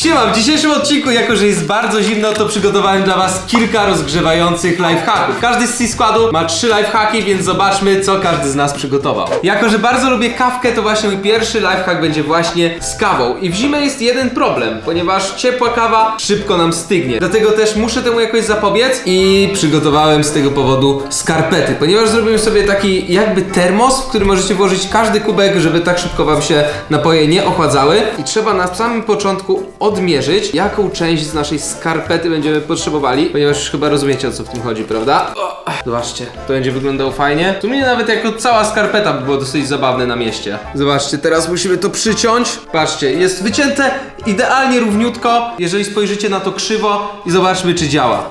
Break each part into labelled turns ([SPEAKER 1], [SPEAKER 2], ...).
[SPEAKER 1] Siema, w dzisiejszym odcinku, jako że jest bardzo zimno, to przygotowałem dla was kilka rozgrzewających lifehacków. Każdy z C-Składu ma 3 lifehacki, więc zobaczmy, co każdy z nas przygotował. Jako że bardzo lubię kawkę, to właśnie mój pierwszy lifehack będzie właśnie z kawą. I w zimę jest jeden problem, ponieważ ciepła kawa szybko nam stygnie. Dlatego też muszę temu jakoś zapobiec i przygotowałem z tego powodu skarpety, ponieważ zrobiłem sobie taki jakby termos, w który możecie włożyć każdy kubek, żeby tak szybko wam się napoje nie ochładzały. I trzeba na samym początku odmierzyć, jaką część z naszej skarpety będziemy potrzebowali, ponieważ już chyba rozumiecie, o co w tym chodzi, prawda? Zobaczcie, to będzie wyglądało fajnie. Tu mnie nawet jako cała skarpeta by było dosyć zabawne na mieście. Zobaczcie, teraz musimy to przyciąć. Patrzcie, jest wycięte idealnie równiutko, jeżeli spojrzycie na to krzywo i zobaczmy, czy działa.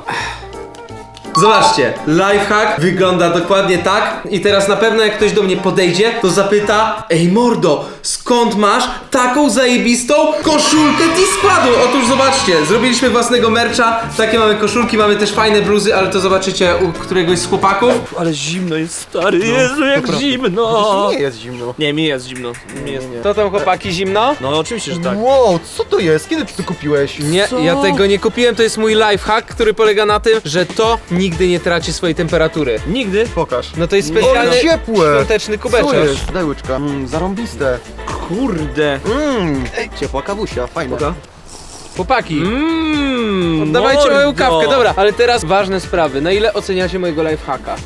[SPEAKER 1] Zobaczcie, lifehack wygląda dokładnie tak. I teraz na pewno jak ktoś do mnie podejdzie, to zapyta: ej mordo, skąd masz taką zajebistą koszulkę C-Składu? Otóż zobaczcie, zrobiliśmy własnego mercha. Takie mamy koszulki, mamy też fajne bluzy, ale to zobaczycie u któregoś z chłopaków.
[SPEAKER 2] Ale zimno jest, stary, Jezu, jak zimno!
[SPEAKER 3] Nie jest zimno.
[SPEAKER 2] Nie, mi jest zimno. Mi jest...
[SPEAKER 1] To tam chłopaki zimno?
[SPEAKER 2] No oczywiście, że tak.
[SPEAKER 3] Wow, co to jest? Kiedy ty to kupiłeś?
[SPEAKER 1] Nie,
[SPEAKER 2] Co?
[SPEAKER 1] ja tego nie kupiłem, to jest mój lifehack, który polega na tym, że to nigdy nie traci swojej temperatury.
[SPEAKER 2] Nigdy?
[SPEAKER 3] Pokaż.
[SPEAKER 1] No to jest
[SPEAKER 3] Ale
[SPEAKER 1] specjalny
[SPEAKER 3] ciepłe!
[SPEAKER 1] świąteczny
[SPEAKER 3] Co
[SPEAKER 1] kubeczek.
[SPEAKER 3] jest? Daj łyczka. Zarąbiste.
[SPEAKER 2] Kurde.
[SPEAKER 3] Ciepła kawusia, fajna.
[SPEAKER 1] Chłopaki, oddawajcie moją
[SPEAKER 2] mordo.
[SPEAKER 1] kawkę, dobra. Ale teraz ważne sprawy. Na ile oceniacie mojego lifehacka?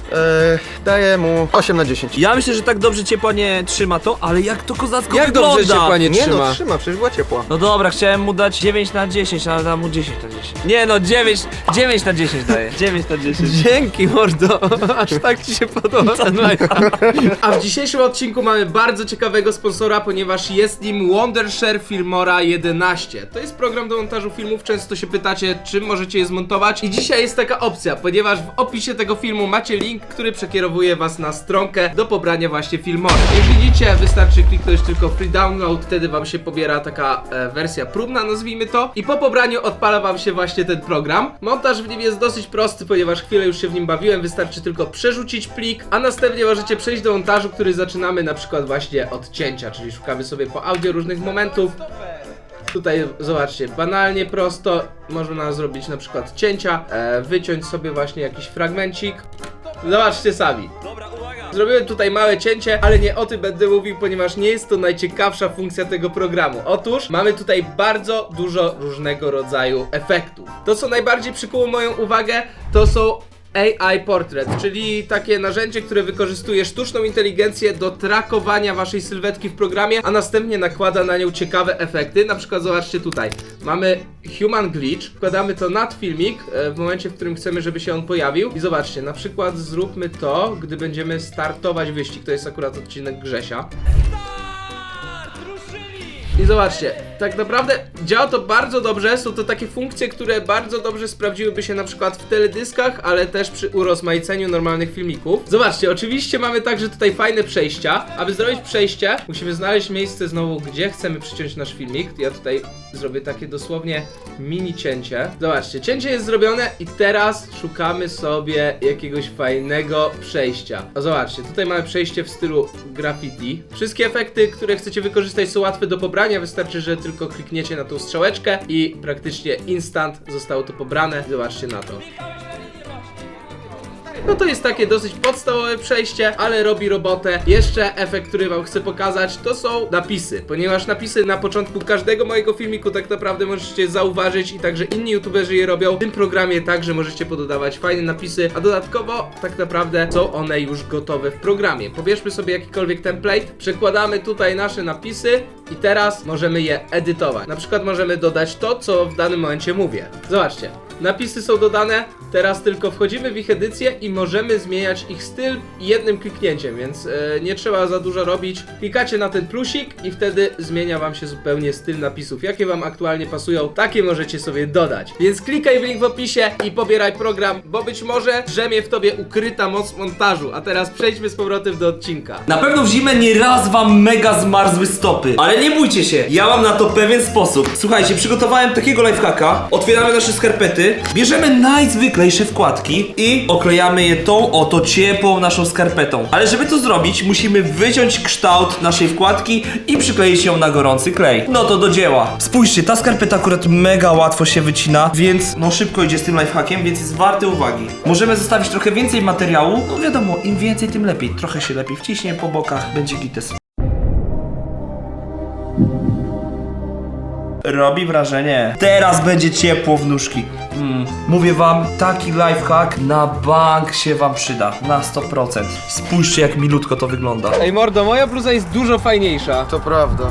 [SPEAKER 3] Daję mu 8 na 10.
[SPEAKER 2] Ja myślę, że tak dobrze ciepła nie trzyma to, ale jak to kozacko
[SPEAKER 1] Jak
[SPEAKER 2] wygląda!
[SPEAKER 1] dobrze ciepła nie
[SPEAKER 3] Nie
[SPEAKER 1] trzyma?
[SPEAKER 3] no, trzyma, przecież była ciepła.
[SPEAKER 2] No dobra, chciałem mu dać 9 na 10, ale dam mu 10 na 10. Nie no, 9 na 10 daję. 9 na 10.
[SPEAKER 1] Dzięki mordo, aż tak ci się podoba ten lifehack. A w dzisiejszym odcinku mamy bardzo ciekawego sponsora, ponieważ jest nim Wondershare Filmora 11. To jest program do montażu filmów, często się pytacie, czym możecie je zmontować. I dzisiaj jest taka opcja, ponieważ w opisie tego filmu macie link, który przekierowuje was na stronkę do pobrania właśnie Filmora. Jak widzicie, wystarczy kliknąć tylko free download, wtedy wam się pobiera taka wersja próbna, nazwijmy to. I po pobraniu odpala wam się właśnie ten program. Montaż w nim jest dosyć prosty, ponieważ chwilę już się w nim bawiłem, wystarczy tylko przerzucić plik, a następnie możecie przejść do montażu, który zaczynamy na przykład właśnie od cięcia, czyli szukamy sobie po audio różnych momentów. Tutaj zobaczcie, banalnie prosto można zrobić na przykład cięcia, wyciąć sobie właśnie jakiś fragmencik. Zobaczcie sami.
[SPEAKER 2] Dobra, uwaga!
[SPEAKER 1] Zrobiłem tutaj małe cięcie, ale nie o tym będę mówił, ponieważ nie jest to najciekawsza funkcja tego programu. Otóż mamy tutaj bardzo dużo różnego rodzaju efektów. To, co najbardziej przykuło moją uwagę, to są AI Portrait, czyli takie narzędzie, które wykorzystuje sztuczną inteligencję do trakowania waszej sylwetki w programie, a następnie nakłada na nią ciekawe efekty. Na przykład zobaczcie tutaj, mamy Human Glitch, wkładamy to nad filmik w momencie, w którym chcemy, żeby się on pojawił. I zobaczcie, na przykład zróbmy to, gdy będziemy startować wyścig, to jest akurat odcinek Grzesia. I zobaczcie, tak naprawdę działa to bardzo dobrze, są to takie funkcje, które bardzo dobrze sprawdziłyby się na przykład w teledyskach, ale też przy urozmaiceniu normalnych filmików. Zobaczcie, oczywiście mamy także tutaj fajne przejścia. Aby zrobić przejście, musimy znaleźć miejsce znowu, gdzie chcemy przyciąć nasz filmik. Ja tutaj zrobię takie dosłownie mini cięcie. Zobaczcie, cięcie jest zrobione i teraz szukamy sobie jakiegoś fajnego przejścia. A zobaczcie, tutaj mamy przejście w stylu graffiti. Wszystkie efekty, które chcecie wykorzystać, są łatwe do pobrania. Wystarczy, że tylko klikniecie na tą strzałeczkę i praktycznie instant zostało to pobrane. Zobaczcie na to. No to jest takie dosyć podstawowe przejście, ale robi robotę. Jeszcze efekt, który wam chcę pokazać, to są napisy, ponieważ napisy na początku każdego mojego filmiku tak naprawdę możecie zauważyć i także inni youtuberzy je robią. W tym programie także możecie pododawać fajne napisy, a dodatkowo tak naprawdę są one już gotowe w programie. Pobierzmy sobie jakikolwiek template, przekładamy tutaj nasze napisy i teraz możemy je edytować. Na przykład możemy dodać to, co w danym momencie mówię. Zobaczcie. Napisy są dodane, teraz tylko wchodzimy w ich edycję i możemy zmieniać ich styl jednym kliknięciem, więc nie trzeba za dużo robić. Klikacie na ten plusik i wtedy zmienia wam się zupełnie styl napisów. Jakie wam aktualnie pasują, takie możecie sobie dodać. Więc klikaj w link w opisie i pobieraj program, bo być może drzemie w tobie ukryta moc montażu. A teraz przejdźmy z powrotem do odcinka.
[SPEAKER 2] Na pewno w zimę nie raz wam mega zmarzły stopy, ale nie bójcie się, ja mam na to pewien sposób. Słuchajcie, przygotowałem takiego lifehacka, otwieramy nasze skarpety, bierzemy najzwyklejsze wkładki i oklejamy je je tą oto ciepłą naszą skarpetą. Ale żeby to zrobić, musimy wyciąć kształt naszej wkładki i przykleić ją na gorący klej. No to do dzieła. Spójrzcie, ta skarpeta akurat mega łatwo się wycina, więc no szybko idzie z tym lifehackiem, więc jest warte uwagi. Możemy zostawić trochę więcej materiału. No wiadomo, im więcej, tym lepiej. Trochę się lepiej wciśnie po bokach, będzie gites. Robi wrażenie. Teraz będzie ciepło w nóżki. Mówię wam, taki lifehack na bank się wam przyda. Na 100%. Spójrzcie, jak milutko to wygląda.
[SPEAKER 1] Ej mordo, moja bluza jest dużo fajniejsza.
[SPEAKER 3] To prawda.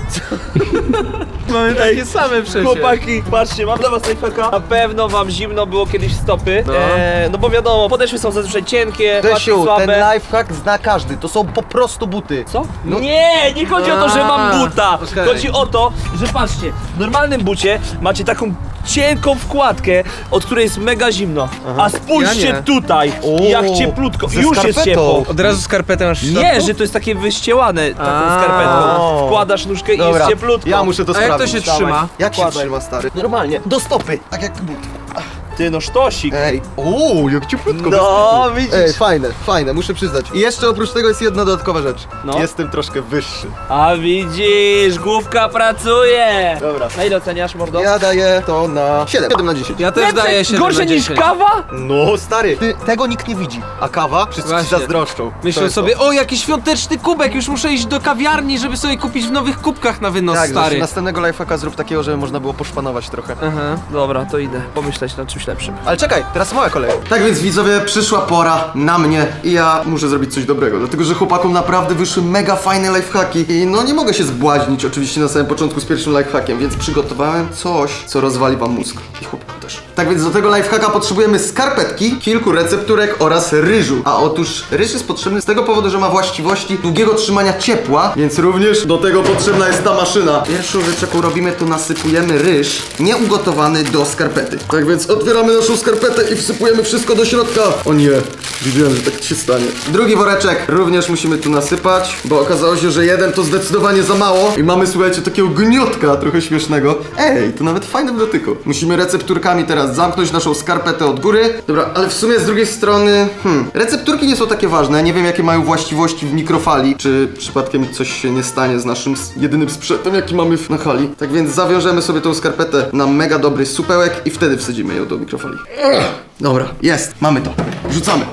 [SPEAKER 1] Mamy takie same przecież.
[SPEAKER 2] Chłopaki, patrzcie, mam dla was lifehacka. Na pewno wam zimno było kiedyś w stopy. No bo wiadomo, podeszwy są zazwyczaj cienkie, łatwiej
[SPEAKER 3] Desiu, ten
[SPEAKER 2] słabe.
[SPEAKER 3] lifehack zna każdy, to są po prostu buty.
[SPEAKER 2] Co? Nie, nie chodzi o to, że mam buta.
[SPEAKER 1] okej.
[SPEAKER 2] Chodzi o to, że patrzcie, w normalnym bucie macie taką cienką wkładkę, od której jest mega zimno. A spójrzcie
[SPEAKER 1] Ja nie.
[SPEAKER 2] tutaj, jak cieplutko.
[SPEAKER 3] ze
[SPEAKER 2] Już jest
[SPEAKER 3] skarpetą.
[SPEAKER 2] ciepło.
[SPEAKER 1] Od razu skarpetę masz w
[SPEAKER 2] Nie,
[SPEAKER 1] środku?
[SPEAKER 2] że to jest takie wyściełane taką
[SPEAKER 1] A.
[SPEAKER 2] skarpetką. Wkładasz nóżkę i jest cieplutko.
[SPEAKER 3] ja muszę to
[SPEAKER 1] A jak to
[SPEAKER 3] sprawdzić.
[SPEAKER 1] się trzyma?
[SPEAKER 3] Jak się
[SPEAKER 2] Wkładaj.
[SPEAKER 3] trzyma, stary? Normalnie, do stopy, tak jak but.
[SPEAKER 2] Ty no sztosik.
[SPEAKER 3] Ej, ooo, jak cieplutko.
[SPEAKER 2] No,
[SPEAKER 3] bez kitu.
[SPEAKER 2] widzisz.
[SPEAKER 3] Ej, fajne, muszę przyznać. I jeszcze oprócz tego jest jedna dodatkowa rzecz.
[SPEAKER 2] No.
[SPEAKER 3] Jestem troszkę wyższy.
[SPEAKER 2] A widzisz, główka pracuje.
[SPEAKER 3] Dobra.
[SPEAKER 2] Na ile oceniasz, mordo?
[SPEAKER 3] Ja daję to na 7 na 10.
[SPEAKER 1] Ja też daję 7
[SPEAKER 2] Gorsze
[SPEAKER 1] na
[SPEAKER 2] niż
[SPEAKER 1] 10.
[SPEAKER 2] kawa?
[SPEAKER 3] No, stary, tego nikt nie widzi. A kawa? Wszyscy ci
[SPEAKER 1] Właśnie.
[SPEAKER 3] zazdroszczą. To
[SPEAKER 1] Myślę
[SPEAKER 3] jest
[SPEAKER 1] sobie, o jaki świąteczny kubek, już muszę iść do kawiarni, żeby sobie kupić w nowych kubkach na wynos,
[SPEAKER 3] Tak,
[SPEAKER 1] stary.
[SPEAKER 3] następnego lifehacka zrób takiego, żeby można było poszpanować trochę.
[SPEAKER 1] Aha.
[SPEAKER 2] Dobra, to idę pomyśleć nad czymś lepszym.
[SPEAKER 3] Ale czekaj, teraz moja kolej. Tak więc widzowie, przyszła pora na mnie i ja muszę zrobić coś dobrego, dlatego że chłopakom naprawdę wyszły mega fajne lifehacki i no nie mogę się zbłaźnić oczywiście na samym początku z pierwszym lifehackiem, więc przygotowałem coś, co rozwali wam mózg i chłopakom też. Tak więc do tego lifehacka potrzebujemy skarpetki, kilku recepturek oraz ryżu. A otóż ryż jest potrzebny z tego powodu, że ma właściwości długiego trzymania ciepła, więc również do tego potrzebna jest ta maszyna. Pierwszą rzecz, jaką robimy, to nasypujemy ryż nieugotowany do skarpety. Tak więc otwieramy naszą skarpetę i wsypujemy wszystko do środka. O nie, wiedziałem, że tak się stanie. Drugi woreczek również musimy tu nasypać, bo okazało się, że jeden to zdecydowanie za mało i mamy, słuchajcie, takiego gniotka trochę śmiesznego. Ej, to nawet fajne w dotyku. Musimy recepturkami teraz zamknąć naszą skarpetę od góry. Dobra, ale w sumie z drugiej strony, recepturki nie są takie ważne. Nie wiem, jakie mają właściwości w mikrofali. Czy przypadkiem coś się nie stanie z naszym jedynym sprzętem, jaki mamy na hali. Tak więc zawiążemy sobie tą skarpetę na mega dobry supełek i wtedy wsadzimy ją do mikrofali. Dobra, jest, mamy to. Wrzucamy.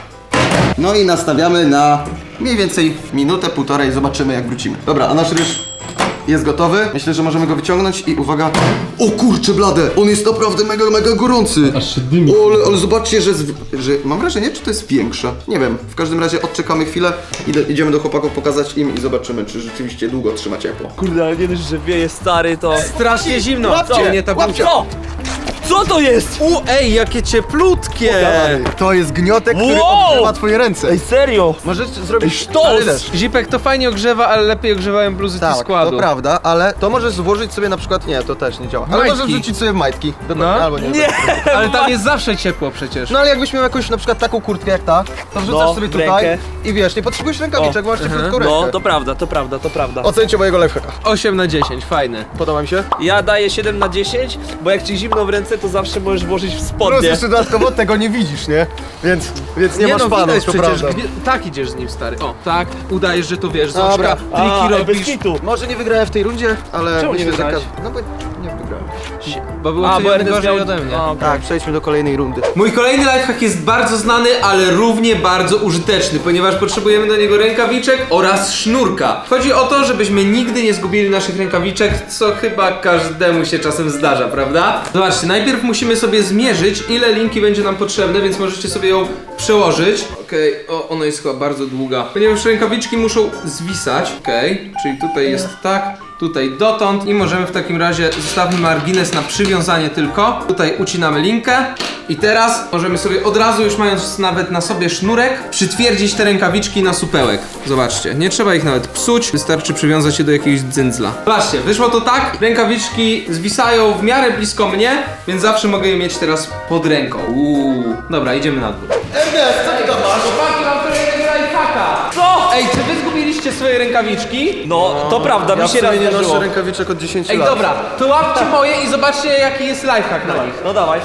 [SPEAKER 3] No i nastawiamy na mniej więcej minutę, półtorej, zobaczymy jak wrócimy. Dobra, a nasz ryż jest gotowy. Myślę, że możemy go wyciągnąć i uwaga. O kurczę blade, on jest naprawdę mega gorący.
[SPEAKER 4] Aż się dymi.
[SPEAKER 3] O, ale zobaczcie, że mam wrażenie, czy to jest większe. Nie wiem, w każdym razie odczekamy chwilę, idziemy do chłopaków pokazać im i zobaczymy, czy rzeczywiście długo trzyma ciepło.
[SPEAKER 2] Kurde, ale nie dość, że wieje stary, to...
[SPEAKER 1] Strasznie zimno.
[SPEAKER 3] Łapcie,
[SPEAKER 1] Nie ta
[SPEAKER 3] łapcie.
[SPEAKER 1] bluza.
[SPEAKER 2] Co? Co to jest?
[SPEAKER 1] Ej, jakie cieplutkie!
[SPEAKER 3] To jest gniotek, który
[SPEAKER 2] Wow!
[SPEAKER 3] odgrzewa twoje ręce.
[SPEAKER 2] Ej, serio?
[SPEAKER 3] Możesz zrobić
[SPEAKER 2] sztos!
[SPEAKER 1] Zipek, to fajnie ogrzewa, ale lepiej ogrzewają bluzy
[SPEAKER 3] Tak,
[SPEAKER 1] składu.
[SPEAKER 3] to prawda, ale to możesz włożyć sobie na przykład, nie, to też nie działa. Ale
[SPEAKER 1] Majtki.
[SPEAKER 3] możesz wrzucić sobie w majtki. Dobra,
[SPEAKER 1] No.
[SPEAKER 3] albo nie.
[SPEAKER 2] Nie!
[SPEAKER 1] Ale tam jest zawsze ciepło przecież.
[SPEAKER 3] No ale jakbyś miał jakąś na przykład taką kurtkę jak ta, to wrzucasz
[SPEAKER 2] No,
[SPEAKER 3] sobie
[SPEAKER 2] w
[SPEAKER 3] tutaj
[SPEAKER 2] rękę.
[SPEAKER 3] i wiesz, nie potrzebujesz rękawiczek, masz cieplutką rękę.
[SPEAKER 2] No, to prawda, to prawda, to prawda.
[SPEAKER 3] Ocencie mojego lifehacka.
[SPEAKER 1] 8 na 10, fajne.
[SPEAKER 3] Podoba mi się?
[SPEAKER 2] Ja daję 7 na 10, bo jak ci zimno w ręce, to zawsze możesz włożyć w
[SPEAKER 3] Plus
[SPEAKER 2] spodnie.
[SPEAKER 3] jeszcze dodatkowo tego nie widzisz, nie? Więc nie masz
[SPEAKER 1] no,
[SPEAKER 3] panu,
[SPEAKER 1] widać
[SPEAKER 3] to
[SPEAKER 1] przecież.
[SPEAKER 3] prawda.
[SPEAKER 1] Tak idziesz z nim, stary. O, tak, udajesz, że to wiesz,
[SPEAKER 3] Dobra.
[SPEAKER 1] Zośka, triki
[SPEAKER 2] bez
[SPEAKER 1] robisz.
[SPEAKER 2] kitu.
[SPEAKER 3] Może nie wygrałem w tej rundzie, ale
[SPEAKER 2] Czemu nie
[SPEAKER 3] myślę, że
[SPEAKER 2] wygrałeś?
[SPEAKER 3] No bo nie wygrałem.
[SPEAKER 1] Bo było
[SPEAKER 2] A, bo Ernest
[SPEAKER 1] gorzej
[SPEAKER 2] miał...
[SPEAKER 1] ode mnie.
[SPEAKER 2] A, okej.
[SPEAKER 3] Tak, przejdźmy do kolejnej rundy.
[SPEAKER 1] Mój kolejny lifehack jest bardzo znany, ale równie bardzo użyteczny, ponieważ potrzebujemy do niego rękawiczek oraz sznurka. Chodzi o to, żebyśmy nigdy nie zgubili naszych rękawiczek, co chyba każdemu się czasem zdarza, prawda? Zobaczcie, najpierw musimy sobie zmierzyć, ile linki będzie nam potrzebne, więc możecie sobie ją przełożyć. Okej, o, ona jest chyba bardzo długa. Ponieważ rękawiczki muszą zwisać. Okej, czyli tutaj jest tak. Tutaj dotąd i możemy w takim razie zostawmy margines na przywiązanie tylko. Tutaj ucinamy linkę i teraz możemy sobie od razu, już mając nawet na sobie sznurek, przytwierdzić te rękawiczki na supełek. Zobaczcie, nie trzeba ich nawet psuć, wystarczy przywiązać je do jakiegoś dzyndzla. Zobaczcie, wyszło to tak, rękawiczki zwisają w miarę blisko mnie, więc zawsze mogę je mieć teraz pod ręką. Dobra, idziemy na dół.
[SPEAKER 3] Ernest, co ty tam masz?
[SPEAKER 1] Chłopaki, mam kolejnego lifehacka.
[SPEAKER 2] Co?
[SPEAKER 1] Ej, czy wy zgubiliście swoje rękawiczki?
[SPEAKER 2] No, to prawda,
[SPEAKER 3] Ja
[SPEAKER 2] mi
[SPEAKER 3] w
[SPEAKER 2] się raz
[SPEAKER 3] sumie nie
[SPEAKER 2] zdarzyło.
[SPEAKER 3] noszę rękawiczek od 10
[SPEAKER 1] Ej,
[SPEAKER 3] lat.
[SPEAKER 1] dobra, to łapcie moje i zobaczcie jaki jest lifehack na nich.
[SPEAKER 2] No dawaj.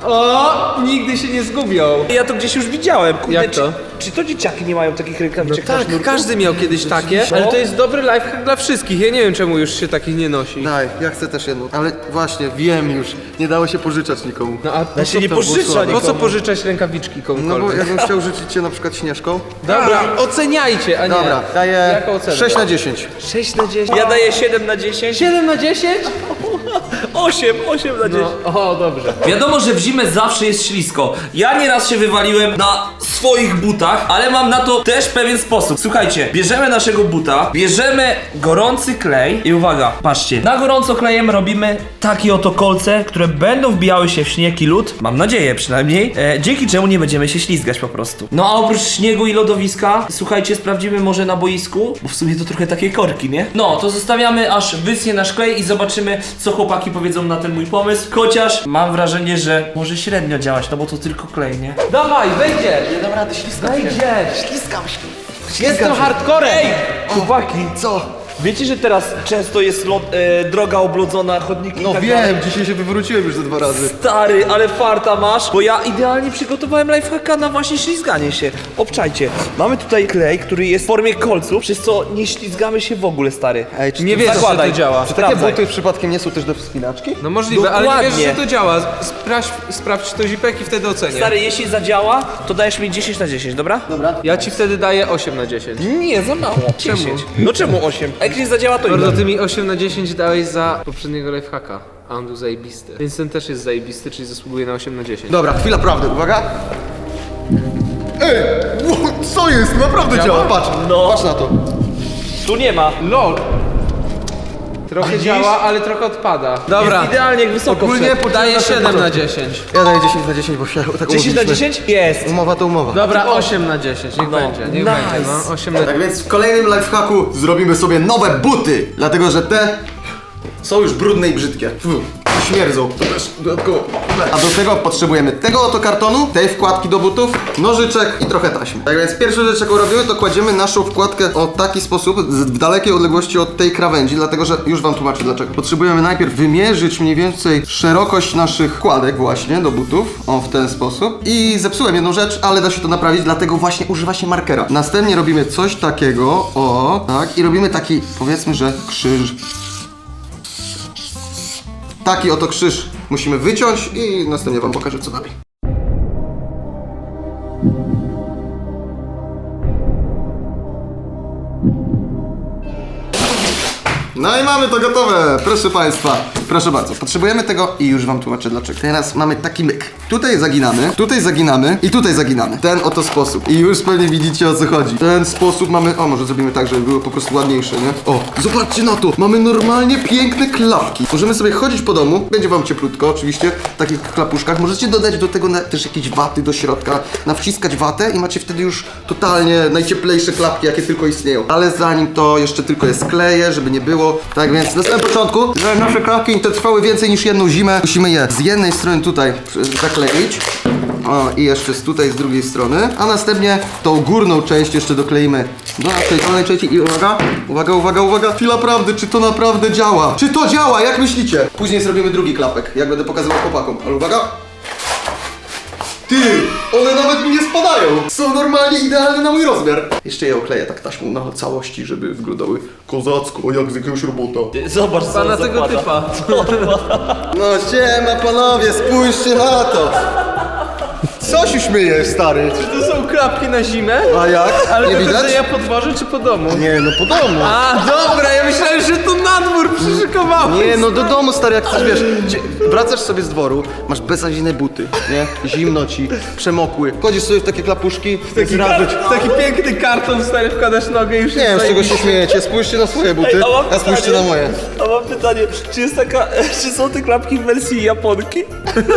[SPEAKER 1] O, nigdy się nie zgubią.
[SPEAKER 2] Ja to gdzieś już widziałem. Kurde,
[SPEAKER 1] Jak to?
[SPEAKER 2] Czy to dzieciaki nie mają takich rękawiczek na
[SPEAKER 1] Tak,
[SPEAKER 2] sznurku?
[SPEAKER 1] każdy miał kiedyś takie, ale to jest dobry lifehack dla wszystkich. Ja nie wiem, czemu już się takich nie nosi.
[SPEAKER 3] Daj, ja chcę też jedną. Ale właśnie, wiem już. Nie dało się pożyczać nikomu.
[SPEAKER 1] No a po
[SPEAKER 2] Ja się
[SPEAKER 1] co
[SPEAKER 2] nie
[SPEAKER 1] to
[SPEAKER 2] pożycza
[SPEAKER 1] było? Po co
[SPEAKER 2] nikomu.
[SPEAKER 1] pożyczać rękawiczki
[SPEAKER 3] No bo
[SPEAKER 1] komukolwiek?
[SPEAKER 3] jakbym chciał życzyć cię na przykład Śnieżką.
[SPEAKER 1] Dobra, oceniajcie, a nie.
[SPEAKER 3] Dobra, daję
[SPEAKER 1] Jaką ocenę?
[SPEAKER 3] 6 na 10.
[SPEAKER 2] 6 na 10. Ja daję 7 na 10.
[SPEAKER 1] 7 na 10?
[SPEAKER 2] 8 na 10.
[SPEAKER 1] No, o, dobrze.
[SPEAKER 2] Wiadomo, że w zimę zawsze jest ślisko. Ja nieraz się wywaliłem na swoich butach, ale mam na to też pewien sposób. Słuchajcie, bierzemy naszego buta, bierzemy gorący klej i uwaga, patrzcie, na gorąco klejem robimy takie oto kolce, które będą wbijały się w śnieg i lód, mam nadzieję przynajmniej, dzięki czemu nie będziemy się ślizgać po prostu. No a oprócz śniegu i lodowiska, słuchajcie, sprawdzimy może na boisku, bo w sumie to trochę takie korki, nie? No, to zostawiamy aż wyschnie nasz klej i zobaczymy, co chłopaki powiedzą na ten mój pomysł, chociaż mam wrażenie, że może średnio działać, no bo to tylko klej, nie?
[SPEAKER 1] Dawaj, wejdziesz!
[SPEAKER 3] Nie dam rady, śliskam się.
[SPEAKER 1] Wejdziesz!
[SPEAKER 3] Śliskam się.
[SPEAKER 1] Jest to hardcore!
[SPEAKER 2] Ej, chłopaki,
[SPEAKER 3] Co?
[SPEAKER 2] wiecie, że teraz często jest droga oblodzona, chodniki i
[SPEAKER 3] No
[SPEAKER 2] tak
[SPEAKER 3] wiem,
[SPEAKER 2] dalej?
[SPEAKER 3] dzisiaj się wywróciłem już ze 2 razy.
[SPEAKER 2] Stary, ale farta masz, bo ja idealnie przygotowałem lifehacka na właśnie ślizganie się. Obczajcie, mamy tutaj klej, który jest w formie kolców, przez co nie ślizgamy się w ogóle, stary.
[SPEAKER 3] Ej, czy
[SPEAKER 1] Nie
[SPEAKER 3] ty-
[SPEAKER 1] wiesz, że
[SPEAKER 2] Zakładaj.
[SPEAKER 1] to działa.
[SPEAKER 3] Czy takie
[SPEAKER 2] Sprawdzaj.
[SPEAKER 3] buty przypadkiem nie są też do wspinaczki?
[SPEAKER 1] No możliwe, ale nie
[SPEAKER 2] Dokładnie.
[SPEAKER 1] wiesz, że to działa. Sprawdź to zipek i wtedy ocenię.
[SPEAKER 2] Stary, jeśli zadziała, to dajesz mi 10 na 10, dobra?
[SPEAKER 3] Dobra.
[SPEAKER 1] Ja ci wtedy daję 8 na 10.
[SPEAKER 2] Nie, za mało.
[SPEAKER 1] Czemu?
[SPEAKER 2] 10. No czemu 8? A jak nie zadziała, to
[SPEAKER 1] Mordo,
[SPEAKER 2] ile?
[SPEAKER 1] ty mi 8 na 10 dałeś za poprzedniego lifehacka. A on był zajebisty. Więc ten też jest zajebisty, czyli zasługuje na 8 na 10.
[SPEAKER 3] Dobra, chwila prawdy, uwaga. Ej, co jest? Naprawdę działa, patrz.
[SPEAKER 2] No.
[SPEAKER 3] Patrz na to.
[SPEAKER 2] Tu nie ma.
[SPEAKER 1] LOL! Trochę działa, ale trochę odpada. Dobra.
[SPEAKER 2] Jest idealnie jak wysoko
[SPEAKER 3] Ogólnie
[SPEAKER 2] wszedł.
[SPEAKER 1] Daję
[SPEAKER 3] potrzebna
[SPEAKER 1] 7 na
[SPEAKER 3] początku.
[SPEAKER 1] 10.
[SPEAKER 3] Ja daję 10 na 10, bo się tak
[SPEAKER 2] 10 na
[SPEAKER 3] umówiliśmy.
[SPEAKER 2] 10? Jest.
[SPEAKER 3] Umowa to umowa.
[SPEAKER 1] Dobra, 8 na 10. Niech
[SPEAKER 2] No.
[SPEAKER 1] będzie, niech
[SPEAKER 2] Nice.
[SPEAKER 1] będzie. No, 8 na
[SPEAKER 3] Tak więc w kolejnym lifehacku zrobimy sobie nowe buty, dlatego że te są już brudne i brzydkie. Śmierdzą, to też dodatkowo. A do tego potrzebujemy tego oto kartonu, tej wkładki do butów, nożyczek i trochę taśmy. Tak więc pierwszą rzecz, jaką robimy, to kładziemy naszą wkładkę w taki sposób, w dalekiej odległości od tej krawędzi, dlatego że już wam tłumaczę dlaczego. Potrzebujemy najpierw wymierzyć mniej więcej szerokość naszych wkładek właśnie do butów, o w ten sposób. I zepsułem jedną rzecz, ale da się to naprawić, dlatego właśnie używa się markera. Następnie robimy coś takiego, o, tak, i robimy taki, powiedzmy, że krzyż. Taki oto krzyż musimy wyciąć i następnie wam pokażę co dalej. No i mamy to gotowe, proszę Państwa. Proszę bardzo, potrzebujemy tego i już Wam tłumaczę dlaczego. Teraz mamy taki myk. Tutaj zaginamy i tutaj zaginamy. Ten oto sposób. I już pewnie widzicie o co chodzi. Ten sposób mamy, o może zrobimy tak, żeby było po prostu ładniejsze, nie? O, zobaczcie na to, mamy normalnie piękne klapki. Możemy sobie chodzić po domu, będzie Wam cieplutko oczywiście, w takich klapuszkach. Możecie dodać do tego też jakieś waty do środka, nawciskać watę i macie wtedy już totalnie najcieplejsze klapki, jakie tylko istnieją. Ale zanim to jeszcze tylko je skleję, żeby nie było. Tak więc na samym początku, żeby nasze klapki te trwały więcej niż jedną zimę, musimy je z jednej strony tutaj zakleić. O, i jeszcze tutaj z drugiej strony. A następnie tą górną część jeszcze dokleimy do tej dolnej części i uwaga, uwaga, uwaga, uwaga. Chwila prawdy, czy to naprawdę działa? Czy to działa? Jak myślicie? Później zrobimy drugi klapek, jak będę pokazywał chłopakom. Ale uwaga. Ty, one nawet mi nie spadają. Są normalnie idealne na mój rozmiar. Jeszcze je okleję tak taśmą na całości, żeby wyglądały kozacko, jak z jakiegoś robota.
[SPEAKER 2] Zobacz, co
[SPEAKER 1] Pana
[SPEAKER 2] on
[SPEAKER 1] tego
[SPEAKER 2] zakłada.
[SPEAKER 1] typa.
[SPEAKER 3] No siema panowie, spójrzcie na to. Co się śmiejesz, stary?
[SPEAKER 1] To są klapki na zimę?
[SPEAKER 3] A jak?
[SPEAKER 1] Ale
[SPEAKER 3] Nie
[SPEAKER 1] to
[SPEAKER 3] widać?
[SPEAKER 1] ja po dworze czy po domu?
[SPEAKER 3] Nie, no po domu.
[SPEAKER 1] A, dobra, ja myślałem, że to na dwór przyszykowałeś.
[SPEAKER 3] Nie, no do domu, stary, jak chcesz, wiesz, wracasz sobie z dworu, masz bezazinne buty, nie? Zimno ci, przemokły. Chodzisz sobie w takie klapuszki,
[SPEAKER 1] Taki piękny karton, stary, wkładasz nogę i już
[SPEAKER 3] Nie wiem, z czego się śmiejecie, spójrzcie na swoje buty,
[SPEAKER 2] Ej,
[SPEAKER 3] a spójrzcie na moje.
[SPEAKER 2] A mam pytanie, czy są te klapki w wersji Japonki?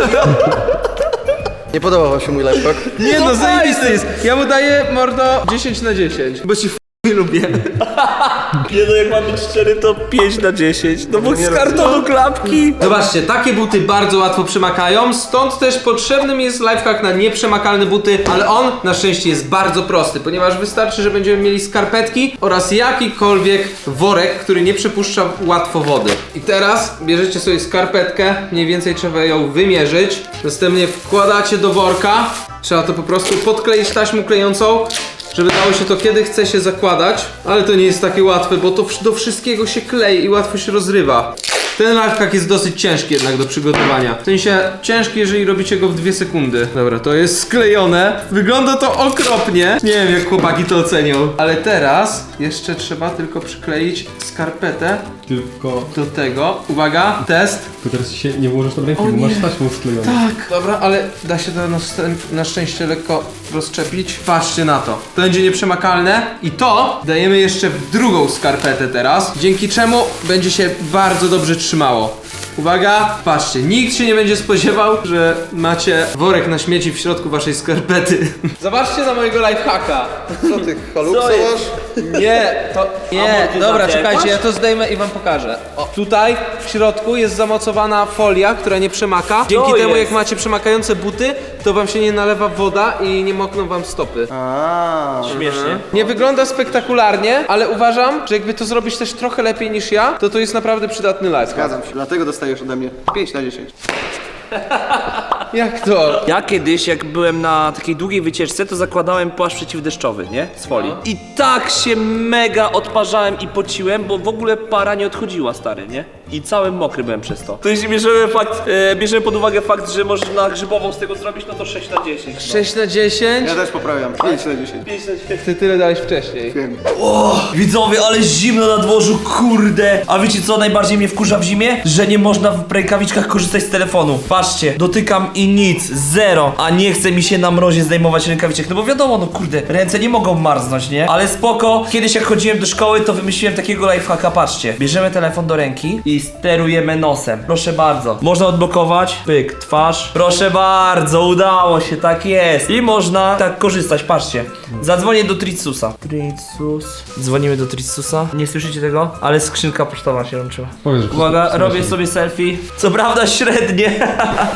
[SPEAKER 3] Nie podobał wam się mój lifehack?
[SPEAKER 1] Nie no,
[SPEAKER 2] No
[SPEAKER 1] zajebisty jest. Ja mu daję, mordo, 10 na 10. Bo ci
[SPEAKER 2] lubię. Nie no, jak mam być szczery, to 5 na 10. No bo z kartonu klapki.
[SPEAKER 1] Zobaczcie, takie buty bardzo łatwo przemakają, stąd też potrzebnym jest lifehack na nieprzemakalne buty, ale on na szczęście jest bardzo prosty, ponieważ wystarczy, że będziemy mieli skarpetki oraz jakikolwiek worek, który nie przepuszcza łatwo wody. I teraz bierzecie sobie skarpetkę, mniej więcej trzeba ją wymierzyć, następnie wkładacie do worka, trzeba to po prostu podkleić taśmą klejącą, żeby dało się to kiedy chce się zakładać, ale to nie jest takie łatwe, bo to do wszystkiego się klei i łatwo się rozrywa. Ten lifehack jest dosyć ciężki jednak do przygotowania. W sensie ciężki, jeżeli robicie go w 2 sekundy. Dobra, to jest sklejone. Wygląda to okropnie. Nie wiem, jak chłopaki to ocenią. Ale teraz jeszcze trzeba tylko przykleić skarpetę
[SPEAKER 4] Tylko
[SPEAKER 1] do tego. Uwaga, test.
[SPEAKER 4] teraz się nie włożysz tam ręki,
[SPEAKER 1] O
[SPEAKER 4] bo
[SPEAKER 1] nie.
[SPEAKER 4] masz taśmą sklejoną.
[SPEAKER 1] Tak. Dobra, ale da się to na szczęście lekko rozczepić. Patrzcie na to. To będzie nieprzemakalne. I to dajemy jeszcze w drugą skarpetę teraz, dzięki czemu będzie się bardzo dobrze trzymało. Uwaga, patrzcie, nikt się nie będzie spodziewał, że macie worek na śmieci w środku waszej skarpety. Zobaczcie na mojego lifehacka.
[SPEAKER 3] Co ty, haluksa
[SPEAKER 2] Co jest?
[SPEAKER 3] masz?
[SPEAKER 1] Nie, to nie.
[SPEAKER 2] Amortyzacja
[SPEAKER 1] Dobra, czekajcie,
[SPEAKER 2] jakaś?
[SPEAKER 1] ja to zdejmę i wam pokażę. O, tutaj w środku jest zamocowana folia, która nie przemaka. Dzięki temu,
[SPEAKER 2] jest?
[SPEAKER 1] jak macie przemakające buty, to wam się nie nalewa woda i nie mokną wam stopy.
[SPEAKER 2] Śmiesznie.
[SPEAKER 1] Nie wygląda spektakularnie, ale uważam, że jakby to zrobić też trochę lepiej niż ja, to jest naprawdę przydatny lifehack.
[SPEAKER 3] Zgadzam się, dlatego dostajesz ode mnie 5 na 10.
[SPEAKER 1] Jak to?
[SPEAKER 2] Ja kiedyś, jak byłem na takiej długiej wycieczce, to zakładałem płaszcz przeciwdeszczowy, nie? Z folii. I tak się mega odparzałem i pociłem, bo w ogóle para nie odchodziła, stary, nie? I cały mokry byłem przez to. To jeśli bierzemy pod uwagę fakt, że można grzybową z tego zrobić, no to 6 na 10. No.
[SPEAKER 1] 6 na 10?
[SPEAKER 3] Ja też poprawiam, 5 na 10.
[SPEAKER 1] Ty tyle dałeś wcześniej.
[SPEAKER 3] Wiem.
[SPEAKER 2] Widzowie, ale zimno na dworzu, kurde! A wiecie co najbardziej mnie wkurza w zimie? Że nie można w rękawiczkach korzystać z telefonu. Patrzcie, dotykam i nic, zero. A nie chce mi się na mrozie zdejmować rękawiczek, no bo wiadomo, no kurde, ręce nie mogą marznąć, nie? Ale spoko, kiedyś jak chodziłem do szkoły, to wymyśliłem takiego lifehacka, patrzcie. Bierzemy telefon do ręki i sterujemy nosem. Proszę bardzo. Można odblokować, pyk, twarz. Proszę bardzo, udało się, tak jest. I można tak korzystać, patrzcie. Zadzwonię do Tritsusa. Tritsus. Dzwonimy do Tritsusa. Nie słyszycie tego? Ale skrzynka pocztowa się łączyła.
[SPEAKER 4] Powiedz, że
[SPEAKER 2] Uwaga,
[SPEAKER 4] wszystko
[SPEAKER 2] robię
[SPEAKER 4] słyszę.
[SPEAKER 2] sobie selfie. Co prawda średnie.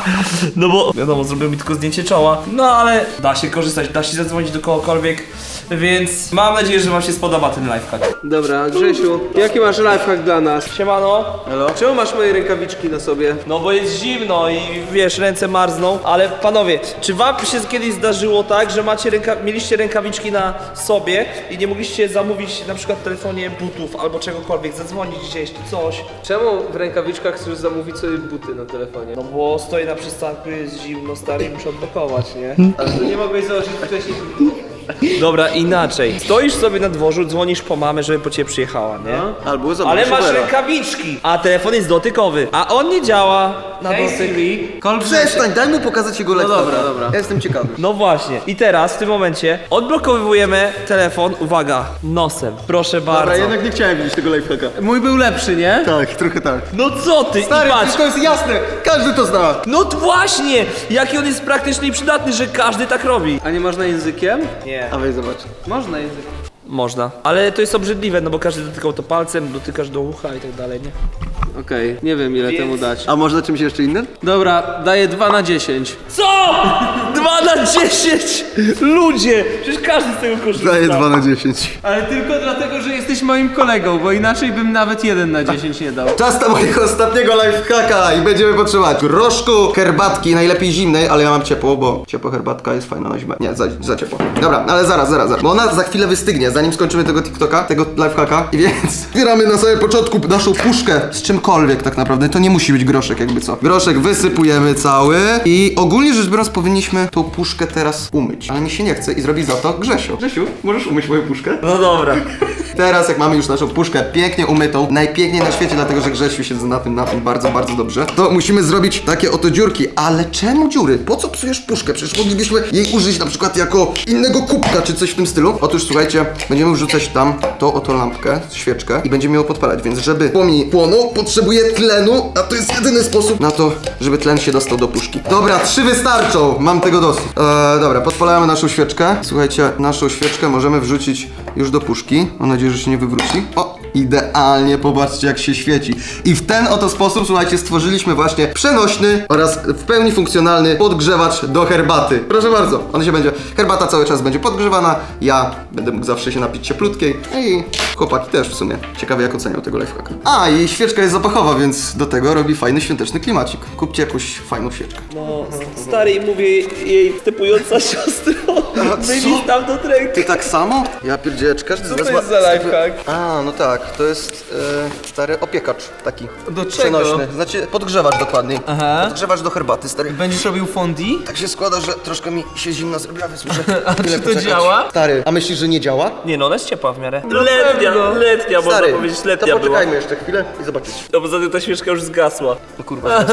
[SPEAKER 2] No bo wiadomo, zrobił mi tylko zdjęcie czoła. No ale da się korzystać, da się zadzwonić do kogokolwiek. Więc mam nadzieję, że wam się spodoba ten lifehack.
[SPEAKER 1] Dobra, Grzesiu, jaki masz lifehack dla nas?
[SPEAKER 2] Siemano.
[SPEAKER 1] Czemu masz moje rękawiczki na sobie?
[SPEAKER 2] No bo jest zimno i wiesz, ręce marzną. Ale panowie, czy wam się kiedyś zdarzyło tak, że mieliście rękawiczki na sobie i nie mogliście zamówić na przykład w telefonie butów albo czegokolwiek, zadzwonić gdzieś czy coś?
[SPEAKER 1] Czemu w rękawiczkach chcesz zamówić sobie buty na telefonie?
[SPEAKER 2] No bo stoję na przystanku, jest zimno, stary, i muszę odblokować, nie?
[SPEAKER 1] Ale to nie mogłeś założyć wcześniej butów?
[SPEAKER 2] Dobra, inaczej. Stoisz sobie na dworzu, dzwonisz po mamę, żeby po ciebie przyjechała, nie?
[SPEAKER 3] Albo zobacz,
[SPEAKER 2] Ale masz
[SPEAKER 3] supera.
[SPEAKER 2] rękawiczki, a telefon jest dotykowy, a on nie działa na dotyk.
[SPEAKER 3] Przestań, daj mu pokazać jego lekko.
[SPEAKER 1] dobra, dobra.
[SPEAKER 3] Ja jestem ciekawy.
[SPEAKER 2] No właśnie. I teraz, w tym momencie, odblokowujemy telefon, uwaga, nosem. Proszę
[SPEAKER 3] Dobra,
[SPEAKER 2] bardzo.
[SPEAKER 3] jednak nie chciałem widzieć tego lifehacka.
[SPEAKER 1] Mój był lepszy, nie?
[SPEAKER 3] Tak, trochę tak.
[SPEAKER 2] No co ty?
[SPEAKER 3] Stary,
[SPEAKER 2] I patrz.
[SPEAKER 3] wszystko jest jasne, każdy to zna.
[SPEAKER 2] No właśnie! Jaki on jest praktyczny i przydatny, że każdy tak robi.
[SPEAKER 1] A nie można językiem?
[SPEAKER 2] Nie.
[SPEAKER 3] A weź zobacz.
[SPEAKER 1] Można językiem.
[SPEAKER 2] Można. Ale to jest obrzydliwe, no bo każdy dotykał to palcem, dotykasz do ucha i tak dalej, nie?
[SPEAKER 1] Okej, nie wiem ile temu dać.
[SPEAKER 3] A można czymś jeszcze innym?
[SPEAKER 1] Dobra, daję 2 na 10.
[SPEAKER 2] Co? 2 na 10! Ludzie! Przecież każdy z tego korzysta.
[SPEAKER 3] Daję 2 na 10.
[SPEAKER 1] Ale tylko dlatego, że jesteś moim kolegą, bo inaczej bym nawet 1 na 10 nie dał.
[SPEAKER 3] Czas na mojego ostatniego lifehacka i będziemy potrzebować groszku, herbatki, najlepiej zimnej, ale ja mam ciepło, bo ciepła herbatka jest fajna na zimę. Nie, za ciepło. Dobra, ale zaraz, bo ona za chwilę wystygnie, zanim skończymy tego TikToka, tego lifehacka. I więc zbieramy na samym początku naszą puszkę z czymkolwiek tak naprawdę, to nie musi być groszek jakby co. Groszek wysypujemy cały i ogólnie rzecz biorąc powinniśmy tą puszkę teraz umyć, ale mi się nie chce i zrobi za to Grzesiu. Grzesiu, możesz umyć moją puszkę?
[SPEAKER 2] No dobra.
[SPEAKER 3] Teraz jak mamy już naszą puszkę pięknie umytą, najpiękniej na świecie, dlatego że Grzesiu siedzi na tym bardzo, bardzo dobrze, to musimy zrobić takie oto dziurki. Ale czemu dziury? Po co psujesz puszkę? Przecież moglibyśmy jej użyć na przykład jako innego kubka, czy coś w tym stylu. Otóż słuchajcie, będziemy wrzucać tam tą oto lampkę, świeczkę i będziemy ją podpalać, więc żeby płomień płonął, potrzebuje tlenu, a to jest jedyny sposób na to, żeby tlen się dostał do puszki. Dobra, 3 wystarczą, mam tego dosyć. Dobra, podpalamy naszą świeczkę. Słuchajcie, naszą świeczkę możemy wrzucić już do puszki. Mam nadzieję, że się nie wywróci. O, idealnie, popatrzcie jak się świeci. I w ten oto sposób, słuchajcie, stworzyliśmy właśnie przenośny oraz w pełni funkcjonalny podgrzewacz do herbaty. Proszę bardzo, on się będzie, herbata cały czas będzie podgrzewana, ja będę mógł zawsze się napić cieplutkiej. I chłopaki też w sumie. Ciekawe jak ocenią tego lifehacka. A, i świeczka jest zapachowa, więc do tego robi fajny świąteczny klimacik. Kupcie jakąś fajną świeczkę.
[SPEAKER 2] No, stary, mówię jej typująca siostro, wyjmij stamtąd rękę.
[SPEAKER 3] Ty tak samo? Ja pierdzielę, czy każdy z was
[SPEAKER 2] to
[SPEAKER 3] ma...
[SPEAKER 2] jest za lifehack?
[SPEAKER 3] A, no tak, to jest stary opiekacz taki.
[SPEAKER 1] Do czego?
[SPEAKER 3] Przenośny, znaczy podgrzewacz dokładniej.
[SPEAKER 1] Aha.
[SPEAKER 3] Podgrzewacz do herbaty, stary.
[SPEAKER 1] Będziesz robił fondi?
[SPEAKER 3] Tak się składa, że troszkę mi się zimno zrobiła, więc muszę
[SPEAKER 1] A
[SPEAKER 3] chwilę
[SPEAKER 1] czy to
[SPEAKER 3] poczekać.
[SPEAKER 1] działa?
[SPEAKER 3] Stary, a myślisz, że nie działa?
[SPEAKER 2] Nie no, ona jest ciepła w miarę.
[SPEAKER 1] pewno.
[SPEAKER 2] Letnia, można
[SPEAKER 3] Stary,
[SPEAKER 2] powiedzieć,
[SPEAKER 3] to
[SPEAKER 2] letnia była.
[SPEAKER 3] poczekajmy jeszcze chwilę i zobaczycie.
[SPEAKER 2] No poza tym ta świeczka już zgasła.
[SPEAKER 3] O kurwa.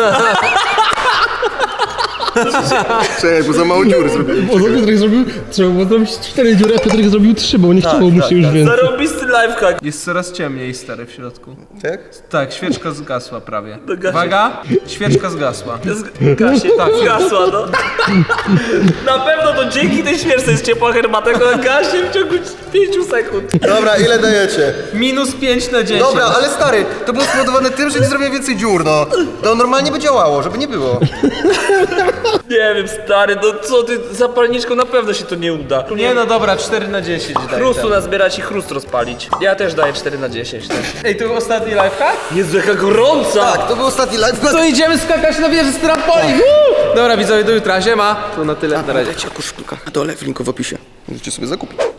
[SPEAKER 3] Czekaj, bo za mało dziury zrobiłem.
[SPEAKER 4] Bo Piotrek zrobił, trzeba było zrobić 4 dziury, a Piotrek zrobił 3, bo nie chciało mu się już więcej.
[SPEAKER 2] Zarobisty lifehack.
[SPEAKER 1] Jest coraz ciemniej, stary, w środku.
[SPEAKER 3] Tak?
[SPEAKER 1] Tak, świeczka zgasła prawie.
[SPEAKER 2] gasi.
[SPEAKER 1] Uwaga, świeczka zgasła.
[SPEAKER 2] Gasie, tak, zgasła, no. Na pewno to dzięki tej świeczce jest ciepła herbata, która gasie w ciągu 5 sekund.
[SPEAKER 3] Dobra, ile dajecie?
[SPEAKER 1] Minus 5 na 10.
[SPEAKER 3] Dobra, ale stary, to było spowodowane tym, że nie zrobiłem więcej dziur, no. To normalnie by działało, żeby nie było.
[SPEAKER 2] Nie wiem, stary, no co ty, zapalniczką na pewno się to nie uda.
[SPEAKER 1] Nie no dobra, 4 na 10 daj.
[SPEAKER 2] Chrustu nazbierać i chrust rozpalić. Ja też daję 4 na 10. Tak.
[SPEAKER 1] Ej, to ostatni lifehack?
[SPEAKER 2] Jezu, jaka gorąca!
[SPEAKER 3] Tak, to był ostatni live.
[SPEAKER 1] To idziemy skakać na wieży z trampolin! Dobra widzowie, do jutra, siema. To na tyle, na razie.
[SPEAKER 3] Lecie koszulka. Na dole w linku w opisie. Możecie sobie zakupić.